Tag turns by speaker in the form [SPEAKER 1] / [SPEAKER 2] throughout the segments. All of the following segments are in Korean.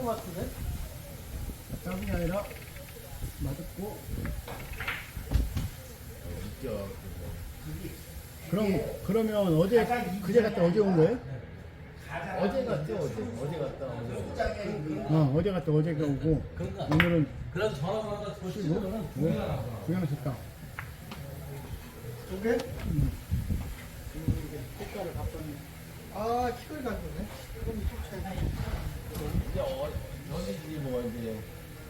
[SPEAKER 1] 것 같은데?
[SPEAKER 2] 작은 게 아니라 맛있고.
[SPEAKER 3] 웃겨.
[SPEAKER 2] 그러면 어제 그제 갔다 어제 온 거예요?
[SPEAKER 3] 어제 갔죠, 어제 갔다 오고.
[SPEAKER 2] 어제 갔다 어제가 오고.
[SPEAKER 1] 그러니까.
[SPEAKER 2] 오늘은
[SPEAKER 1] 그래서 전화 받아서 더
[SPEAKER 2] 쉬고. 구경을 좋다.
[SPEAKER 4] 두 개?
[SPEAKER 2] 색깔을 바꿨네.
[SPEAKER 4] 아, 킥을 간거네. 그럼 이쪽 차이.
[SPEAKER 3] 이제 어디지 뭐 이제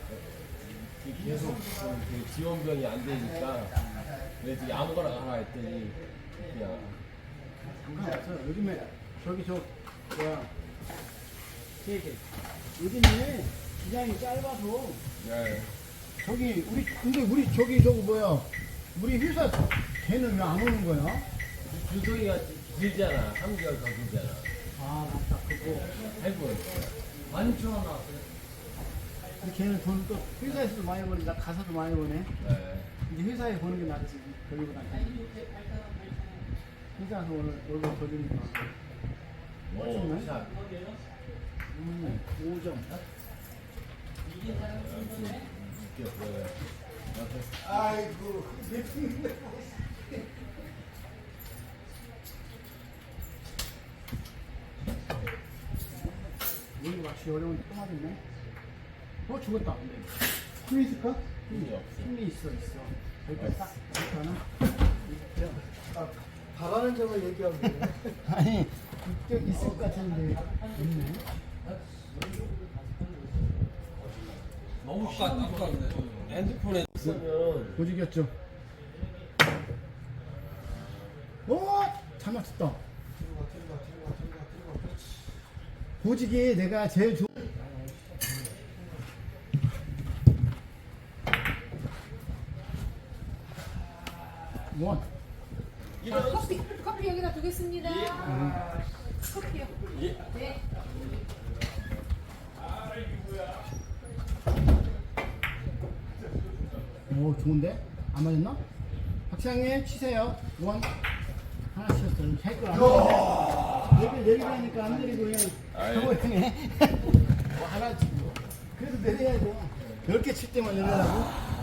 [SPEAKER 3] 계속 그 지원병이 안 되니까 그래서 아무거나 가라 했더니 그냥
[SPEAKER 2] 상관없어. 요즘에 저기 뭐야 세계 요즘에 기장이 짧아서
[SPEAKER 3] 네.
[SPEAKER 2] 근데 우리 저거 뭐야 우리 회사 걔는 왜 안 오는 거야?
[SPEAKER 3] 주소기가 길잖아. 3개월 더 길잖아.
[SPEAKER 2] 아 맞다 그거.
[SPEAKER 3] 8분.
[SPEAKER 1] 12,000원 나왔어요.
[SPEAKER 2] 근데 걔는 돈 또 회사에서도 많이 버니까 가서도 많이 버네.
[SPEAKER 3] 네.
[SPEAKER 2] 이제 회사에 버는 게 낫지 거기보다. 회사에서 오늘 월급 더 주니까.
[SPEAKER 3] 오, 샷.
[SPEAKER 2] 5점.
[SPEAKER 3] 웃겨. 그래.
[SPEAKER 4] 아이고,
[SPEAKER 2] 여기 맞추기 어려운데 또 맞았네. 죽었다. 힘이 있을까?
[SPEAKER 3] 힘이 없어.
[SPEAKER 2] 힘이 있어. 여기 딱 하나.
[SPEAKER 4] 아, 바라는 점을 얘기하면 돼.
[SPEAKER 2] 아니 이쪽 있을 것 같은데 있네.
[SPEAKER 1] 너무 아깝네.
[SPEAKER 3] 핸드폰에 쓰면
[SPEAKER 2] 고지겼죠. 잘 맞췄다. 고지기 내가 제일 좋은. 원.
[SPEAKER 5] 커피 여기다 두겠습니다. 커피요. 네.
[SPEAKER 2] 오 좋은데? 안 맞았나? 박상님 치세요. 원. 하나 치셨어요. 할걸 안 해. 내리라니까 안 내리고 그냥 가버리네.
[SPEAKER 3] 뭐 하나 치고.
[SPEAKER 2] 그래도 내려야죠. 10개 칠 때만 내려라고.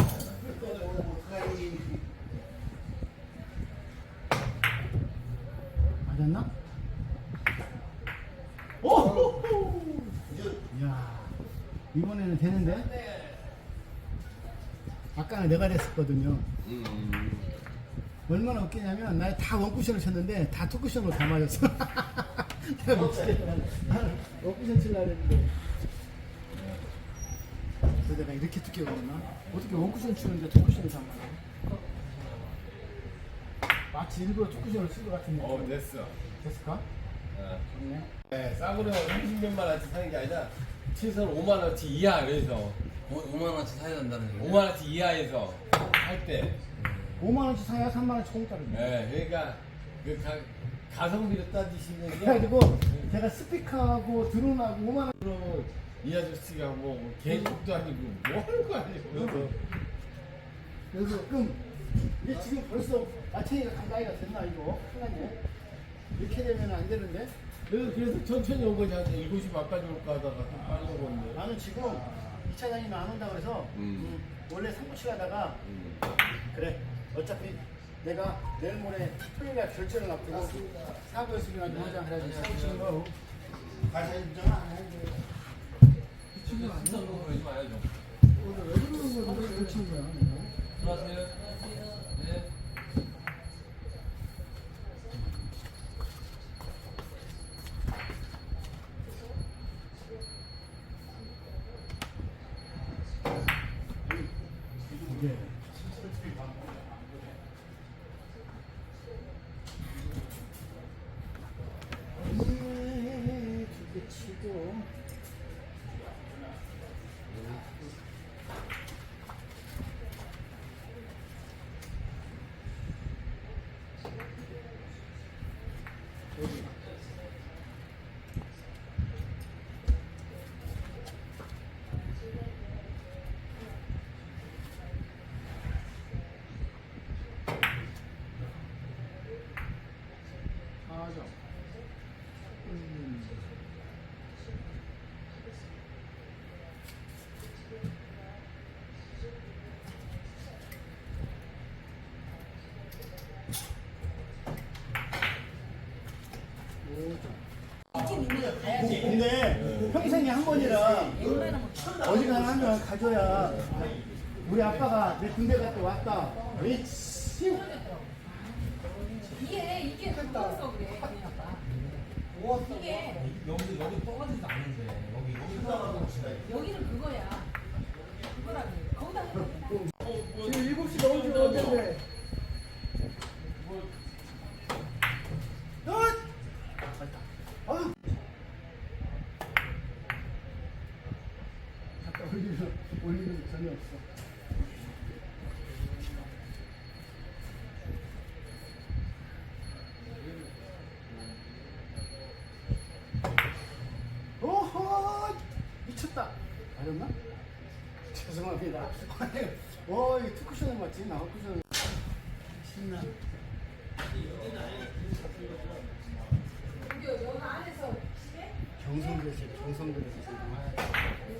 [SPEAKER 2] 맞았나? 오! 이야, 이번에는 되는데? 아까는 내가 됐었거든요. 얼마나 웃기냐면, 나 다 원쿠션을 쳤는데, 다 투쿠션으로 다 맞았어. 내가 못 치겠다. 나는 원쿠션 치려고 했는데. 그래서 내가 이렇게 두께 걸었나? 어떻게 원쿠션 치는데 투쿠션을 다 맞아? 마치 일부러 투쿠션을 쓴 것 같은데.
[SPEAKER 3] 됐어.
[SPEAKER 2] 됐을까? 좋네.
[SPEAKER 3] 네, 싸구려 30몇만 원치 사는 게 아니라 최소한 5만 원치 이하 그래서
[SPEAKER 1] 5만원치 사야 된다는 얘기.
[SPEAKER 3] 5만 원치 이하에서 할 때.
[SPEAKER 2] 5만원치 사야 3만원치 공짜로.
[SPEAKER 3] 네, 그러니까 그 가성비로 따지시는 게
[SPEAKER 2] 그래가지고 제가 스피커하고 드론하고 5만원.
[SPEAKER 3] 그러면 이 아저씨가 뭐 개국도 아니고 뭐 하는 거 아니에요?
[SPEAKER 2] 그래서 그럼 이게 지금 벌써 마찬가지가 가까이가 됐나 이거? 큰일났네. 이렇게 되면 안 되는데.
[SPEAKER 3] 그래서 천천히 온 거지. 한 7시 반까지 올까 하다가 좀 빨리 오건데.
[SPEAKER 2] 나는 지금 2차장님이 안 온다 그래서 원래 3부 치려다가 그래 어차피 내가 내일 모레 토요일에 결제를 앞두고 사고 연습이나 좀 하자 그래가지고 사고 치는 거 가사 인정 안 해.
[SPEAKER 1] 지금 안 사는 거 그러지 마요, 좀.
[SPEAKER 2] 왜 그러는 거야? 왜 치는 거야? 내가?
[SPEAKER 1] 들어가세요. 네.
[SPEAKER 2] 이게 두개 치고 근데 평생에 한 번이라 어지간하면 하면 가져야 우리 아빠가 내 군대 갔다 왔다. 그렇지.
[SPEAKER 5] 이게 그거서 그래. 이게
[SPEAKER 1] 여기 떠가지도 않는데
[SPEAKER 5] 여기는 그거야. 그거라고. 거기다 해야
[SPEAKER 4] 지금 7시 넘은 줄 알았는데.
[SPEAKER 2] 아까 올리는 게 전혀 없어. 오호 미쳤다. 맞았나? 죄송합니다. 와 이거 투쿠션을 맞지? 나 쿠션 신나.
[SPEAKER 5] 여기 안에서
[SPEAKER 2] 경성그릇이 경성그릇이.